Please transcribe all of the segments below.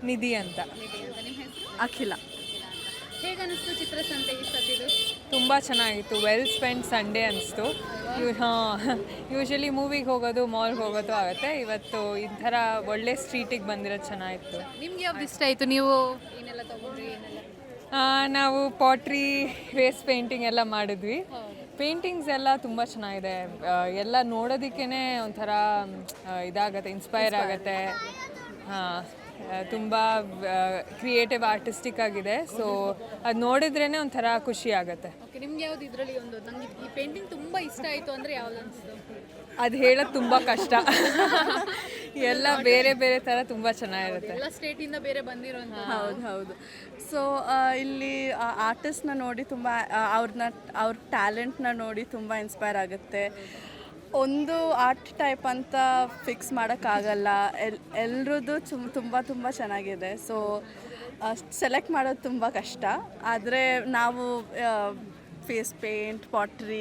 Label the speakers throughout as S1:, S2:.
S1: ನಿಧಿ ಅಂತ.
S2: ನಿಮ್ಮ ಹೆಸರು?
S3: ಅಖಿಲ.
S2: ಹೇಗೆ ಅನಿಸ್ತು ಚಿತ್ರಸಂತೆ ಈ ಸತಿದು?
S1: ತುಂಬ ಚೆನ್ನಾಗಿತ್ತು. ವೆಲ್ ಸ್ಪೆಂಡ್ ಸಂಡೇ ಅನಿಸ್ತು. ಯೂಶಲಿ ಮೂವಿಗೆ ಹೋಗೋದು ಮಾಲ್ಗೆ ಹೋಗೋದು ಆಗುತ್ತೆ. ಇವತ್ತು ಈ ಥರ ಒಳ್ಳೆ ಸ್ಟ್ರೀಟಿಗೆ ಬಂದಿರೋದು ಚೆನ್ನಾಗಿತ್ತು.
S2: ನಿಮ್ಗೆ ಯಾವ್ದು ಇಷ್ಟ ಆಯಿತು? ನೀವು ಏನೆಲ್ಲ ತೊಗೊಂಡ್ರಿ ಏನೆಲ್ಲ?
S1: ನಾವು ಪಾಟ್ರಿ, ವೇಸ್ಟ್ ಪೇಂಟಿಂಗ್ ಎಲ್ಲ ಮಾಡಿದ್ವಿ. ಪೇಂಟಿಂಗ್ಸ್ ಎಲ್ಲ ತುಂಬ ಚೆನ್ನಾಗಿದೆ. ಎಲ್ಲ ನೋಡೋದಕ್ಕೇ ಒಂಥರ ಇದಾಗುತ್ತೆ, ಇನ್ಸ್ಪೈರ್ ಆಗುತ್ತೆ. ಹಾಂ, ತುಂಬ ಕ್ರಿಯೇಟಿವ್ ಆರ್ಟಿಸ್ಟಿಕ್ ಆಗಿದೆ. ಸೊ ಅದು ನೋಡಿದ್ರೇ ಒಂಥರ ಖುಷಿ ಆಗುತ್ತೆ.
S2: ಓಕೆ, ನಿಮ್ಗೆ ಯಾವ್ದು ಇದರಲ್ಲಿ ಒಂದು ನನಗೆ ಈ ಪೇಂಟಿಂಗ್ ತುಂಬ ಇಷ್ಟ ಆಯಿತು ಅಂದರೆ ಯಾವ್ದು ಅನಿಸ್ತು?
S1: ಅದು ಹೇಳೋದು ತುಂಬ ಕಷ್ಟ. ಎಲ್ಲ ಬೇರೆ ಬೇರೆ ಥರ ತುಂಬ ಚೆನ್ನಾಗಿರುತ್ತೆ.
S2: ಎಲ್ಲ ಸ್ಟೇಟಿಂದ ಬೇರೆ ಬಂದಿರೋಂಥ.
S3: ಹೌದು. ಸೊ ಇಲ್ಲಿ ಆರ್ಟಿಸ್ಟ್ನ ನೋಡಿ ತುಂಬ ಅವ್ರ ಟ್ಯಾಲೆಂಟ್ನ ನೋಡಿ ತುಂಬ ಇನ್ಸ್ಪೈರ್ ಆಗುತ್ತೆ. ಒಂದು ಆರ್ಟ್ ಟೈಪ್ ಅಂತ ಫಿಕ್ಸ್ ಮಾಡೋಕ್ಕಾಗಲ್ಲ. ಎಲ್ರದ್ದು ತುಂಬ ಚೆನ್ನಾಗಿದೆ. ಸೊ ಸೆಲೆಕ್ಟ್ ಮಾಡೋದು ತುಂಬ ಕಷ್ಟ. ಆದರೆ ನಾವು ಫೇಸ್ ಪೇಂಟ್, ಪಾಟ್ರಿ,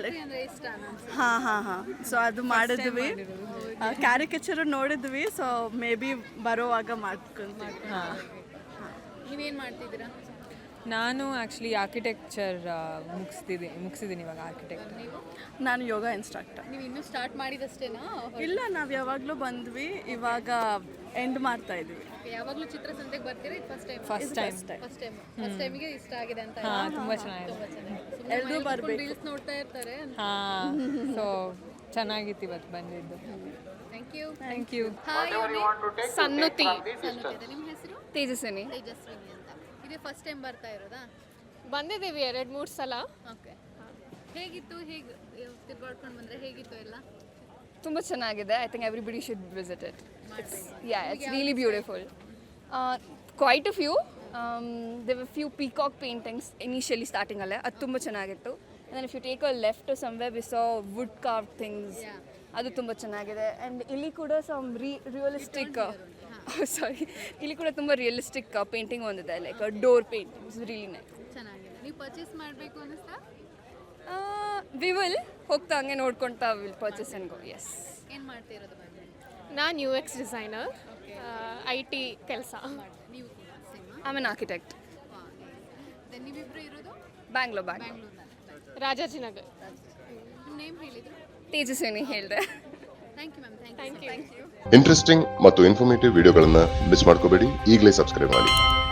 S3: ಹಾಂ ಸೊ ಅದು ಮಾಡಿದ್ವಿ. ಕ್ಯಾರಿಕೇಚರ್ ನೋಡಿದ್ವಿ. ಸೊ ಮೇ ಬಿ ಬರೋವಾಗ ಮಾಡ್ಕೊಂತೀವಿ.
S2: ನೀವೇನು ಮಾಡ್ತಿದ್ದೀರಾ?
S1: ನಾನು ಆ್ಯಕ್ಚುಲಿ ಆರ್ಕಿಟೆಕ್ಚರ್ ಮುಗಿಸಿದ್ದೀನಿ ಇವಾಗ ಆರ್ಕಿಟೆಕ್ಟ್.
S3: ನಾನು ಯೋಗ ಇನ್ಸ್ಟ್ರಕ್ಟರ್.
S2: ನೀವು ಇನ್ನೂ ಸ್ಟಾರ್ಟ್ ಮಾಡಿದಷ್ಟೇನಾ?
S3: ಇಲ್ಲ, ನಾವು ಯಾವಾಗಲೂ ಬಂದ್ವಿ, ಇವಾಗ ಎಂಡ್ ಮಾಡ್ತಾ ಇದ್ವಿ.
S2: ಯಾವಾಗಲೂ ಚಿತ್ರಸಂತೆಗೆ ಬರ್ತೀರಾ?
S1: ಫಸ್ಟ್
S2: ಟೈಮಿಗೆ ಇಷ್ಟ ಆಗಿದೆ ಅಂತ?
S1: ಹಾಂ, ತುಂಬ ಚೆನ್ನಾಗಿದೆ.
S3: ಎಲ್ಲರೂ ಬರಬೇಕು.
S2: ರೀಲ್ಸ್ ನೋಡ್ತಾ ಇರ್ತಾರೆ.
S1: ಹಾಂ, ಸೊ ಚೆನ್ನಾಗಿತ್ತು ಇವತ್ತು ಬಂದಿದ್ದು. Thank you.
S4: ಸನ್ನುತಿ.
S2: ನಿಮ್ಮ ಹೆಸರು?
S4: ತೇಜಸ್ವಿನಿ.
S2: ತೇಜಸ್ವಿನಿ ಅಂತ. ಇದೇ ಫಸ್ಟ್ ಟೈಮ್ ಬರ್ತಾ ಇರೋದಾ?
S4: ಬಂದಿದ್ದೀವಿ 2-3 ಸಲ.
S2: ಓಕೆ, ಹೇಗಿತ್ತು? ಹೇಗೆ ತಿರ್ಗಾಡ್ಕೊಂಡು ಬಂದರೆ ಹೇಗಿತ್ತು ಎಲ್ಲ?
S4: ತುಂಬ ಚೆನ್ನಾಗಿದೆ. I think everybody should visit it. It's really beautiful. Quite a few there were few peacock paintings initially ಸ್ಟಾರ್ಟಿಂಗಲ್ಲೇ. ಅದು ತುಂಬ ಚೆನ್ನಾಗಿತ್ತು. And if you take a left somewhere we saw wood carve things. ಅದು ತುಂಬ ಚೆನ್ನಾಗಿದೆ. ಆ್ಯಂಡ್ ಇಲ್ಲಿ ಕೂಡ some realistic ಇಲ್ಲಿ ಕೂಡ ತುಂಬ ರಿಯಲಿಸ್ಟಿಕ್ ಪೇಂಟಿಂಗ್ ಒಂದಿದೆ, like door painting. It's really nice.
S2: ಚೆನ್ನಾಗಿದೆ. ನೀವು ಪರ್ಚೇಸ್ ಮಾಡಬೇಕು ಅನ್ನಿಸ್ತಾ?
S4: ವಿ ವಿಲ್ ಹೋಗ್ತಾ ಹಂಗೆ ನೋಡ್ಕೊಳ್ತಾ will purchase and go. Yes.
S2: ಏನು ಮಾಡ್ತಿರೋದು ಬಗ್ಗೆ?
S4: ನಾನು UX ಡಿಸೈನರ್, IT ಕೆಲಸ.
S2: ನೀವು ಕೂಡ same?
S4: I am an architect.
S2: ನೀವಿಬ್ಬರು ಇರೋದು
S4: ಬ್ಯಾಂಗ್ಳೂರ್ನಲ್ಲಿ, ರಾಜಾಜಿನಗರ್.
S2: ನಿಮ್ಮ ನೇಮ್ ಹೇಳಿದ್ರು?
S4: ತೇಜಸ್ವಿನಿ ಹೇಳಿದೆ.
S2: Thank you ma'am. Thank you.
S5: Interesting ಮತ್ತು ಇನ್ಫಾರ್ಮೇಟಿವ್ ವಿಡಿಯೋಗಳನ್ನು ಮಿಸ್ ಮಾಡ್ಕೋಬೇಡಿ. ಈಗಲೇ ಸಬ್ಸ್ಕ್ರೈಬ್ ಮಾಡಿ.